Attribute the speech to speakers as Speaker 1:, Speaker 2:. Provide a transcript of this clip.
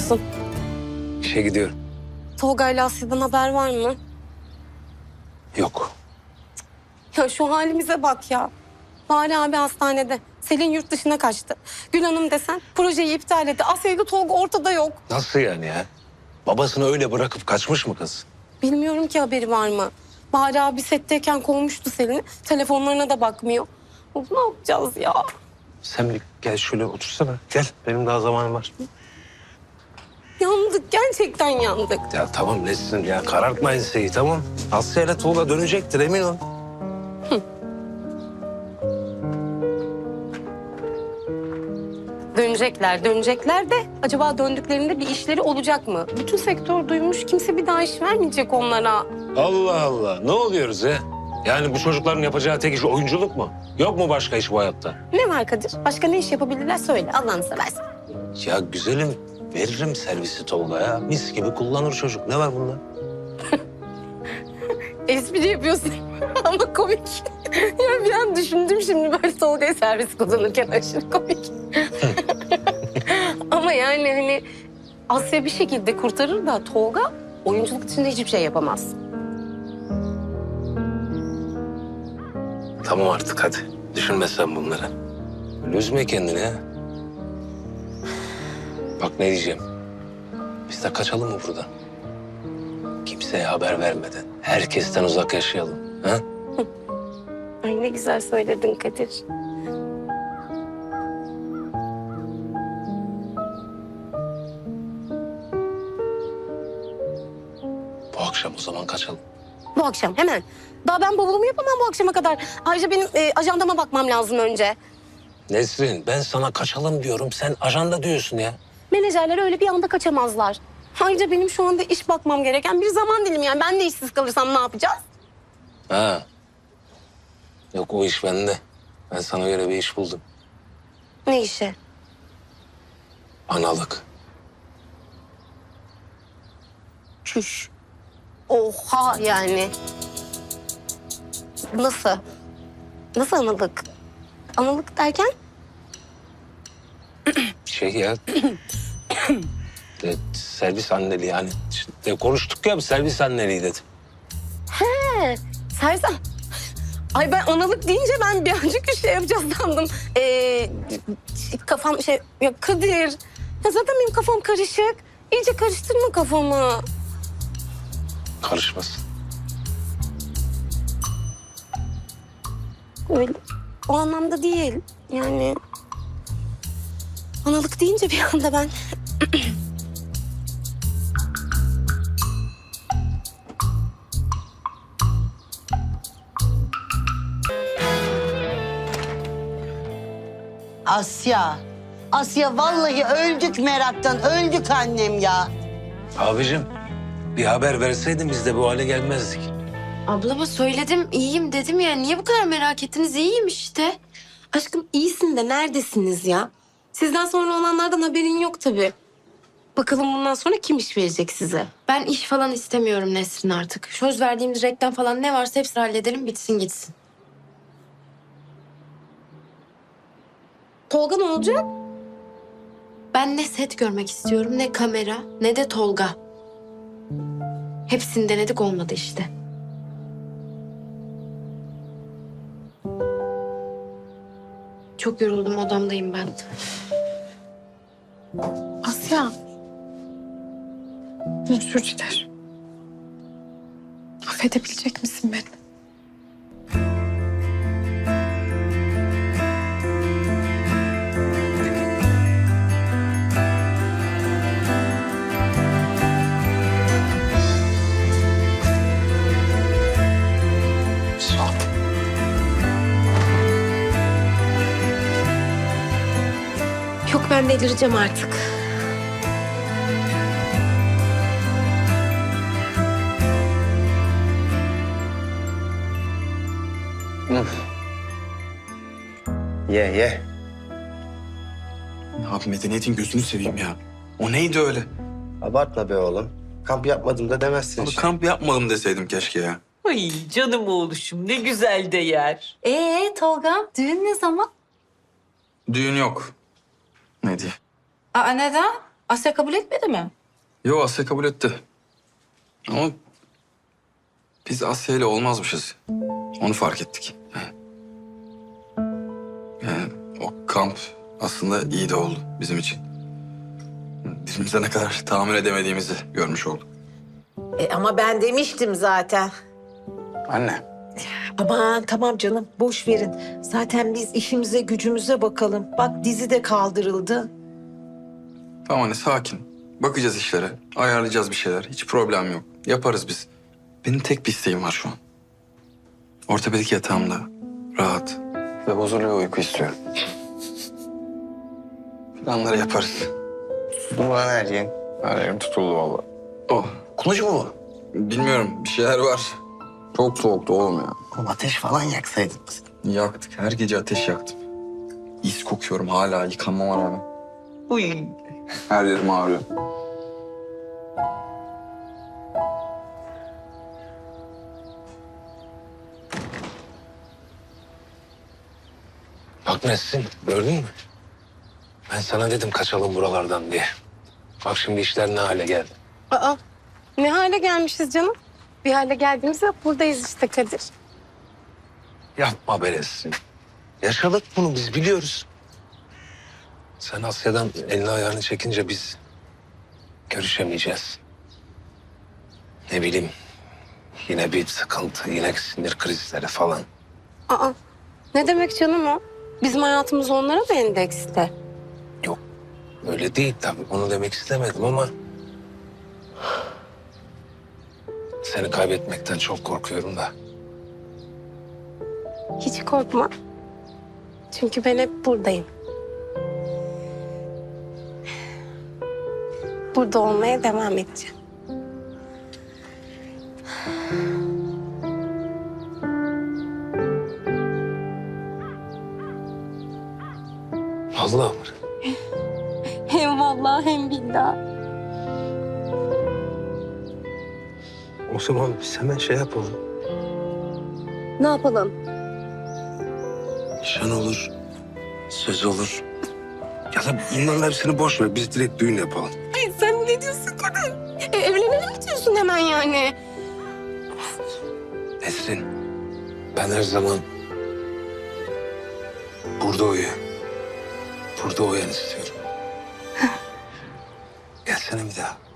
Speaker 1: gidiyorsun?
Speaker 2: İşe gidiyorum.
Speaker 1: Tolga ile Asya'dan haber var mı?
Speaker 2: Yok.
Speaker 1: Ya şu halimize bak ya. Bari abi hastanede. Selin yurt dışına kaçtı. Gül Hanım desen projeyi iptal etti. Asya ile Tolga ortada yok.
Speaker 2: Nasıl yani ya? Babasını öyle bırakıp kaçmış mı kız?
Speaker 1: Bilmiyorum ki haberi var mı? Bari abi setteyken kovmuştu Selin'i. Telefonlarına da bakmıyor. Of, ne yapacağız ya?
Speaker 2: Sen bir gel şöyle otursana. Gel. Benim daha zamanım var.
Speaker 1: Yandık, gerçekten yandık.
Speaker 2: Ya tamam Nesrin ya. Karartma enseyi tamam. Asya ile Tolga dönecektir emin ol.
Speaker 1: Dönecekler de acaba döndüklerinde bir işleri olacak mı? Bütün sektör duymuş, kimse bir daha iş vermeyecek onlara.
Speaker 2: Allah Allah. Ne oluyoruz ya? Yani bu çocukların yapacağı tek iş oyunculuk mu? Yok mu başka iş bu hayatta?
Speaker 1: Ne var Kadir? Başka ne iş yapabilirler söyle, Allah'ını seversen.
Speaker 2: Ya güzelim veririm servisi Tolga'ya. Mis gibi kullanır çocuk. Ne var bunda?
Speaker 1: Espri yapıyorsun ama komik. Ya bir an düşündüm şimdi böyle Tolga'ya servis kullanırken aşırı komik. Ama yani hani Asya bir şekilde kurtarır da Tolga oyunculuk içinde hiçbir şey yapamaz.
Speaker 2: Tamam artık hadi. Düşünme sen bunları. Böyle üzme kendini ha. Bak ne diyeceğim. Biz de kaçalım mı buradan? Kimseye haber vermeden. Herkesten uzak yaşayalım. Ha?
Speaker 1: Ay ne güzel söyledin Kadir.
Speaker 2: Bu akşam o zaman kaçalım.
Speaker 1: Bu akşam hemen. Daha ben bavulumu yapamam bu akşama kadar. Ayrıca benim ajandama bakmam lazım önce.
Speaker 2: Nesrin ben sana kaçalım diyorum. Sen ajanda diyorsun ya.
Speaker 1: Menajerler öyle bir anda kaçamazlar. Ayrıca benim şu anda iş bakmam gereken bir zaman dilimi yani. Ben de işsiz kalırsam ne yapacağız?
Speaker 2: Ha. Yok o iş bende. Ben sana göre bir iş buldum.
Speaker 1: Ne işi?
Speaker 2: Analık.
Speaker 1: Çüş. Oha yani. Nasıl? Nasıl analık? Analık derken?
Speaker 2: Şey ya. Servis anneliği yani. İşte konuştuk ya servis anneliği dedim.
Speaker 1: He, Sersan. Ay ben analık deyince ben birazcık bir şey yapacağız sandım. Kafam şey... Ya Kadir. Ya zaten benim kafam karışık. İyice karıştırma kafamı.
Speaker 2: Karışmasın.
Speaker 1: Öyle. O anlamda değil. Yani... Analık deyince bir anda ben...
Speaker 3: Asya. Asya vallahi öldük meraktan. Öldük annem ya.
Speaker 2: Abicim bir haber verseydin biz de bu hale gelmezdik.
Speaker 4: Ablama söyledim, iyiyim dedim ya. Niye bu kadar merak ettiniz? İyiyim işte.
Speaker 1: Aşkım iyisin de neredesiniz ya? Sizden sonra olanlardan haberin yok tabii. Bakalım bundan sonra kim iş verecek size?
Speaker 4: Ben iş falan istemiyorum Nesrin artık. Söz verdiğimiz reklam falan ne varsa hepsini halledelim, bitsin gitsin.
Speaker 1: Tolga ne olacak?
Speaker 4: Ben ne set görmek istiyorum, ne kamera, ne de Tolga. Hepsini denedik, olmadı işte. Çok yoruldum, odamdayım ben.
Speaker 5: Asya. Özür dilerim. Affedebilecek misin beni?
Speaker 2: Sağ ol.
Speaker 1: Yok ben delireceğim artık.
Speaker 6: Ye ye.
Speaker 7: Abi medeniyetin gözünü seveyim ya. O neydi öyle?
Speaker 6: Abartma be oğlum. Kamp yapmadım da demezsin.
Speaker 7: Abi kamp yapmadım deseydim keşke ya.
Speaker 8: Ay canım oğluşum ne güzel de yer.
Speaker 5: Tolga, düğün ne zaman?
Speaker 7: Düğün yok. Ne diye?
Speaker 5: Aa neden? Asya kabul etmedi mi?
Speaker 7: Yo, Asya kabul etti. Ama biz Asya ile olmazmışız. Onu fark ettik. Yani o kamp aslında iyi de oldu bizim için. Dilimize ne kadar tahammül edemediğimizi görmüş olduk.
Speaker 9: Ama ben demiştim zaten.
Speaker 7: Anne.
Speaker 9: Aman tamam canım, boş verin. Zaten biz işimize gücümüze bakalım. Bak dizi de kaldırıldı.
Speaker 7: Tamam anne, sakin. Bakacağız işlere. Ayarlayacağız bir şeyler. Hiç problem yok. Yaparız biz. Benim tek bir isteğim var şu an. Ortopedik yatağımda rahat ve huzurlu bir uyku istiyorum. Planları yaparız.
Speaker 6: Tutun lan her yerin.
Speaker 7: Her yerim tutuldu vallahi. Oh.
Speaker 6: Kulucu mu bu?
Speaker 7: Bilmiyorum, bir şeyler var. Çok soğuktu oğlum ya.
Speaker 6: Oğlum ateş falan yaksaydın.
Speaker 7: Yaktık. Her gece ateş yaktım. İz kokuyorum hala yıkanmama rağmen.
Speaker 6: Uy.
Speaker 7: Her yerim ağrıyor.
Speaker 2: Bak Nesrin, gördün mü? Ben sana dedim kaçalım buralardan diye. Bak şimdi işler ne hale geldi.
Speaker 1: Aa, ne hale gelmişiz canım? Bir hale geldiğimizde buradayız işte Kadir.
Speaker 2: Yapma be Nesrin. Yaşadık bunu, biz biliyoruz. Sen Asya'dan elini ayağını çekince biz görüşemeyeceğiz. Ne bileyim, yine bir sıkıntı, yine sinir krizleri falan.
Speaker 1: Aa, ne demek canım o? Bizim hayatımız onlara mı endekste?
Speaker 2: Yok, öyle değil tabii. Onu demek istemedim ama... Seni kaybetmekten çok korkuyorum da.
Speaker 1: Hiç korkma. Çünkü ben hep buradayım. Burada olmaya devam edeceğim.
Speaker 2: Vallahi mı?
Speaker 1: Hem vallahi hem billahi.
Speaker 2: O zaman biz hemen şey yapalım.
Speaker 1: Ne yapalım?
Speaker 2: Nişan olur, söz olur. Ya da bunların hepsini boş ver. Biz direkt düğün yapalım.
Speaker 1: Ay sen ne diyorsun Kadir? Evlenelim mi diyorsun hemen yani?
Speaker 2: Nesrin, ben her zaman burada burada uyan istiyorum. Gelsene bir daha.